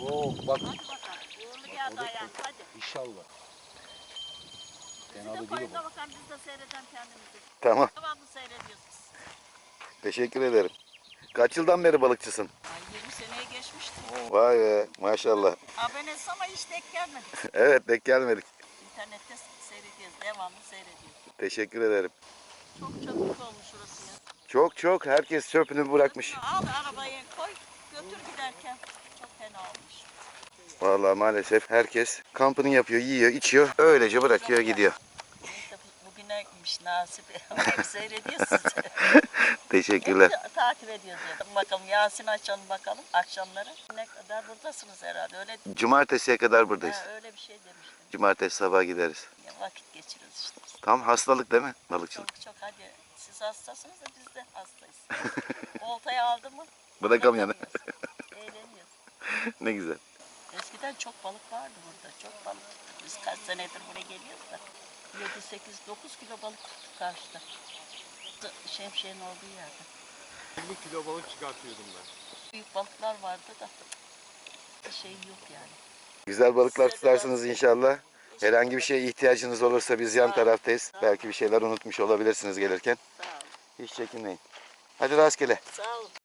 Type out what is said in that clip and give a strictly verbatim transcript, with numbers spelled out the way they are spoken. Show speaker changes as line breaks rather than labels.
Oo bak.
Hadi bakalım. Uğurlu geldi ayağın. Hadi.
İnşallah.
Bizi
Fena
de
da değil
koyun
o.
da bakalım biz de seyredelim kendimizi.
Tamam.
Devamlı seyrediyoruz.
Teşekkür ederim. Kaç yıldan beri balıkçısın?
Ay yirmi seneye geçmişti.
Vay be maşallah.
Abonesi ama hiç denk gelmedi.
Evet denk gelmedik.
İnternette seyrediyoruz. Devamlı seyrediyoruz.
Teşekkür ederim.
Çok çabuk olmuş orası ya.
Çok çok herkes çöpünü bırakmış.
Al arabayı koy götür giderken. Çok fena olmuş.
Vallahi maalesef herkes kampını yapıyor, yiyor, içiyor. Öylece bırakıyor gidiyor.
Neyse bugüneymiş nasip. Hep seyrediyoruz sizi.
Teşekkürler.
Hep takip ediyoruz ya. Bakalım Yasin açalım bakalım akşamları. Ne kadar buradasınız herhalde öyle.
Cumartesiye kadar buradayız.
Ha, öyle bir şey demiştim.
Cumartesi sabah gideriz.
Ya, vakit geçiriyoruz işte.
Tam hastalık değil mi balıkçılık?
Çok çok hadi. Siz hastasınız da biz de hastayız. Oltayı aldı mı?
Bırakamıyorum.
bırakamıyoruz. Eğleniyoruz.
Ne güzel.
Eskiden çok balık vardı burada. Çok balık tuttuk. Biz kaç senedir buraya geliyoruz da. yedi, sekiz, dokuz kilo balık tuttuk karşıda. Şemsiyenin olduğu yerde.
elli kilo balık çıkartıyordum ben.
Büyük balıklar vardı da bir şey yok yani.
Güzel balıklar tutarsınız inşallah. Herhangi bir şeye ihtiyacınız olursa biz yan taraftayız. Belki bir şeyler unutmuş olabilirsiniz gelirken.
Sağ olun.
Hiç çekinmeyin. Hadi rastgele.
Sağ olun.